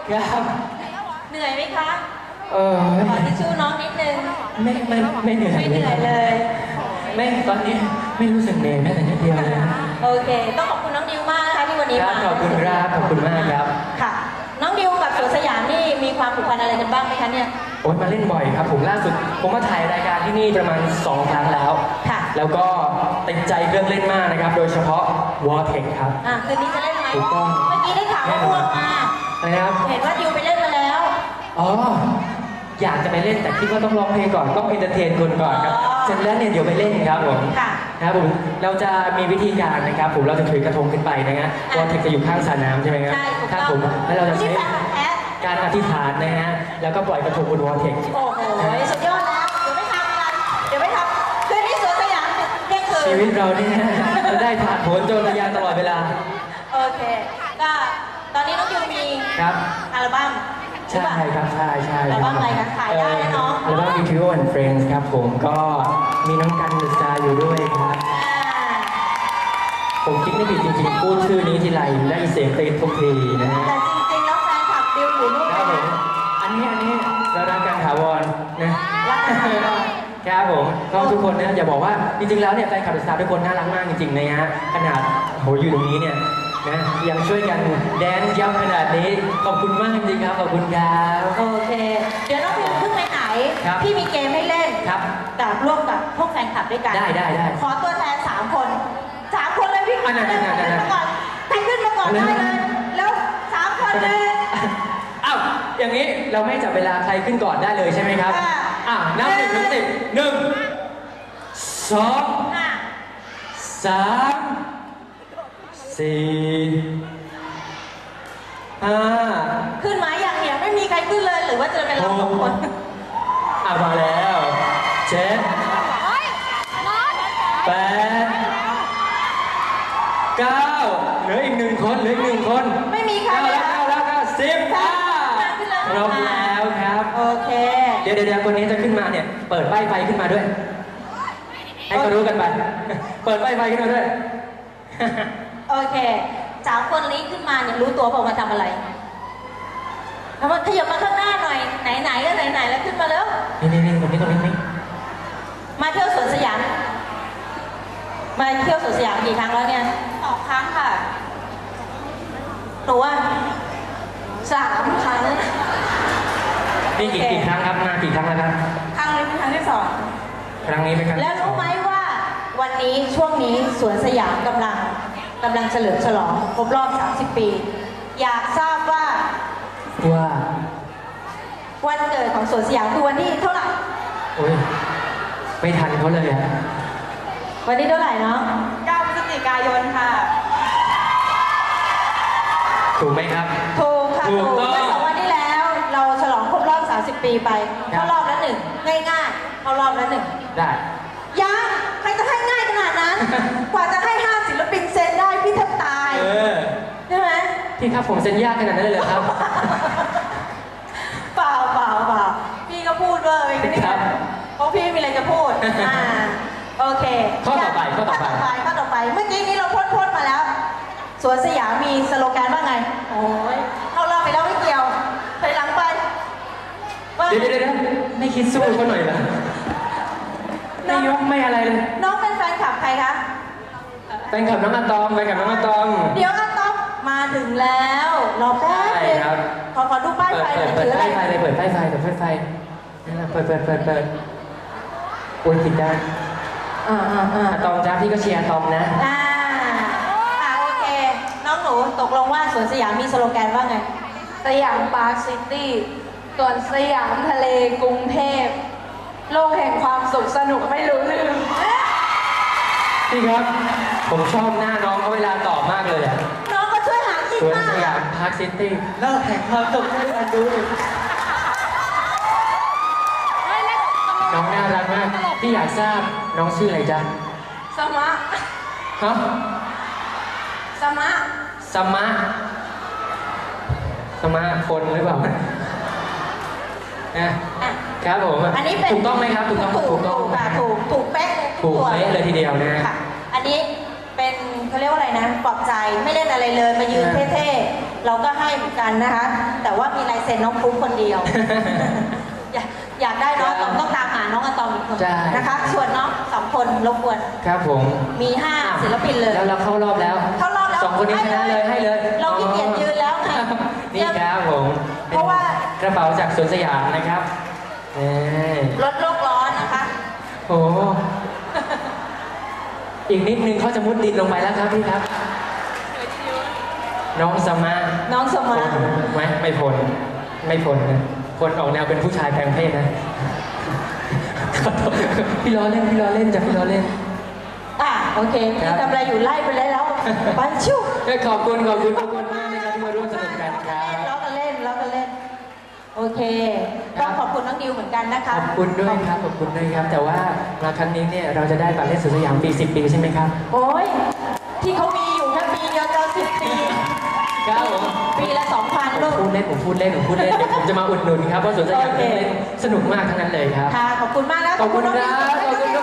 ครับเหนื่อยไหมคะไม่ขอทิชชู่น้องนิดนึงไม่เหนื่อยไม่เหนื่อยเลยไม่ตอนนี้ไม่รู้สึกเหนื่อยแม้แต่นิดเดียวเลยนะโอเค ต้องขอบคุณน้องดิวมากนะคะที่วันนี้ครัมาบขอบคุณครับขอบคุณมากครับค่ะ น้องดิวกับสวนสยามนี่มีความผูกพันอะไรกันบ้างไหมคะเนี่ยโอ๊ยมาเล่นบ่อยครับผมล่าสุดผมมาถ่ายรายการที่นี่ประมาณ2 ครั้งแล้วค่ะแล้วก็ติดใจเครื่องเล่นมากนะครับ โดยเฉพาะ Vortex ครับคืนนี้จะเล่นไหมถูกต้องเมื่อกี้ได้ข่าวว่าอ้วกมานะครับเห็นว่าดิวไปเล่นมาแล้วอ๋ออยากจะไปเล่นแต่คิดว่าต้องร้องเพลงก่อนต้องเอนเตอร์เทนคนก่อนครับเสร็จแล้วเนี่ยเดี๋ยวไปเล่นครับผมค่ะครับผมเราจะมีวิธีการนะครับผมเราจะถือกระทงขึ้นไปนะฮะVortexจะอยู่ข้างสระน้ำใช่ไหมครับใช่ถูกคต้รัอบ งผมแล้วเราจะที่ใช้แฟนพันธุ์แท้การอธิษฐานนะฮะแล้วก็ปล่อยกระทงบนVortex โอ้โหสุดยอดแล้วเดี๋ยวไม่ทำกันเดี๋ยวไม่ทำคืนนี้สวนสยามเที่ยงคืนชีวิตเราเนี่ยจะได้ผ่านผลโจรทะยานตลอดเวลาโอเค ก็ตอนนี้น้องดิวมีครับอัลบั้มใช่ครับใช่อัลบั้มอะไรคะขายได้นะน้องอัลบั้ม Trio and Friends ครับผมก็มีน้องกันดุษาอยู่ด้วยครับ ผมคิดไม่ผิดจริงๆพูดชื่อนี้ทีไรได้เสียงตีทุกทีนะฮะแต่จริงๆแล้วแฟนคลับดิวอยู่นู่นครับผมอันนี้เรารักกันถาวรนะรักกันถาวรครับผมก็ทุกคนนะอย่าบอกว่าจริงๆแล้วเนี่ยแฟนคลับดุษาทุกคนน่ารักมากจริงๆนะฮะขนาดโหอยู่ตรงนี้เนี่ยนะยังช่วยกันแดนซ์ยับขนาดนี้ขอบคุณมากจริงๆครับขอบคุณครับโอเค เดี๋ยวน้องดิวเพิ่งไปไหนครับพี่มีเกมให้เล่นครับกับร่วมกับพวกแฟนคลับด้วยกันได้ขอตัวแทน3 คน3 คนเลยพี่อันนั้นขึ้นมาก่อนใครขึ้นมาก่อนได้เลยแล้ว3 คนเลยอ้าวอย่างนี้เราไม่จับเวลาใครขึ้นก่อนได้เลยใช่ไหมครับค่ะนับ1 ถึง 10 1 2 อ่ะ 3 4 5 ขึ้นมาอย่างเนี่ยไม่มีใครขึ้นเลยหรือว่าจะเป็นเรา2 คนมาแล้ว7 8 9เหลืออีก1 คนเหลืออีก1 คนไม่มีใคร 9 เลยแล้ว9 แล้ว10ครบแล้วครับโอเคเดี๋ยวคนนี้จะขึ้นมาเนี่ยเปิดป้ายไฟขึ้นมาด้วย ให้เขารู้กันไป เปิดป้ายไฟขึ้นมาด้วยโอเค3 คนนี้ขึ้นมาเนี่ยรู้ตัวเปล่ามาทำอะไรเอามาขยับมาข้างหน้าหน่อยไหนๆก็ไหนๆแล้วขึ้นมาแล้วนี่ตรงนี้มาเที่ยวสวนสยามมาเที่ยวสวนสยามกี่ครั้งแล้วเนี่ย 2 ครั้งค่ะหนูว่า3 ครั้งนี่กี่ครั้งครับมากี่ครั้งแล้วครับครั้งนี้เป็นครั้งที่ครั้งนี้เป็นครั้งแล้วที่สอรู้งไหมว่าวันนี้ช่วงนี้สวนสยามกำลังเฉลิมฉลองครบรอบ 30 ปี อยากทราบว่าว่าวันเกิดของสวนสยามคือวันที่เท่าไหร่โอ้ยไม่ทันเขาเลยอะวันที่เท่าไหร่เนาะ 2 9 พฤศจิกายนค่ะถูกไหมครับถูกค่ะถูถูกกต้องเมื่อ2 วันที่แล้ว เราฉลองครบรอบ 30 ปีไปครับเข้ารอบละหนึ่งง่ายๆเข้ารอบละหนึ่งได้ยังใครจะให้ง่ายขนาด นั้น กว่าจะให้5 ศิลปินเซ็นได้พี่แทบตาย ใช่ไหมพี่ครับผมเซ็นยากขนาดนั้นเลยเหรอครับเปล่าพี่ก็พูดเวอร์เองนะเนี่ครัยบเพราะพี่มีอะไรจะพูด โอเคข้อต่อไปข้อต่อไป เมื่อกี้นี้เราพ่นมาแล้ว สวนสยามมีสโลแกนว่าไง โอ้ยเข้ารอบไปแล้วไม่เกี่ยวถอยหลังไปว่าเดี๋ยวไม่คิดสู้เขาหน่อยเหรอไม่ยกไม่อะไรเลยน้องเป็นแฟนคลับใครคะแฟนคลับน้องอะตอมแฟนคลับน้องอะตอมเดี๋ยวอาต๊อบมาถึงแล้วรอแป๊บนึงใช่ครับขอดูป้ายไฟหน่อยเปิถืดออะไรป้ายไฟเลยเปิดป้ายไฟนั่นแหละเปิดโอ้ยผิดด้านอ่าอะตอมจ้าพี่ก็เชียร์อะตอมนะโอเค น้องหนูตกลงว่าสวนสยามมีสโลแกนว่าไงสยามปาร์คซิตี้ ส่วนสยามทะเลกรุงเทพ โลกแห่งความสุขสนุกไม่รู้ลืมพี่ครับ ผมชอบหน้าน้องเขาเวลาตอบมากเลยอะน้องก็ช่วยหากินสวนมากสยามพาร์คซิตี้เลิกแห่งความสุขให้อันดูน้องน่ารักมากพี่อยากทราบน้องชื่ออะไรจ๊ะสมะฮะสมะสมาคนหรือเปล่านะอ่ะครับผมอันนี้เป็นถูกต้องไหมครับถูกต้องถูกค่ะถูกเป๊ะถูกเป๊ะเลยทีเดียวนะค่ะ อันนี้เป็นเขาเรียกว่าอะไรนะปลอบใจไม่เล่นอะไรเลยมายืนเท่ๆเราก็ให้เหมือนกันนะคะ แต่ว่ามีลายเซ็นน้องฟลุ๊กคนเดียว อยากได้น้องอะตอมต้องตามหาน้องอะตอมอีกคนใช่นะคะ ส่วนน้องสองคนรบกวนครับผมมี5ศิลปินเลยแล้วเราเข้ารอบแล้วเข้ารอบแล้วสองคนนี้ชนะเลยให้เลยเราขี้เกียจยืนแล้วไงนี่ครับผมเพราะว่ากระเป๋าจากสวนสยามนะครับนี่ลดโลกร้อนนะคะโอ้อีกนิดนึงเขาจะมุดดินลงไปแล้วครับพี่ครับ น้องสมาน้องสมาไหมไม่พ้นไม่พ้นนะพ้นออกแนวเป็นผู้ชายแปลงเพศนะ ขอโทษพี่ล้อเล่นพี่ล้อเล่นจ้ะพี่ล้อเล่นโอเคครัพี่บทำอะไรอยู่ไล่ไปเลยแล้วไปชิวขอบคุณทุกคนมากนะครับที่มาร่วมสนุกกันครับล้อกันเล่นล้อกันเล่น โอเค ก็ขอบคุณน้องดิวเหมือนกันนะคะขอบคุณด้วยครับขอบคุณด้วยครับ แต่ว่ามาครั้งนี้เนี่ยเราจะได้บัตรเล่นสวนสยามปี 10 ปีใช่ไหมครับโอ้ยที่เขามีอยู่แค่ปีเดียวจะ10 ปีครับผมปีละ 2,000 ผลูมกพูดเล่นเดี๋ยวผมจะมาอุดหนุนครับเพราะสวนสยามโอเคเล่นสนุกมากทั้งนั้นเลยครับค่ะ ขอบคุณมากแล้วขอบคุณครับขอบคุณทุก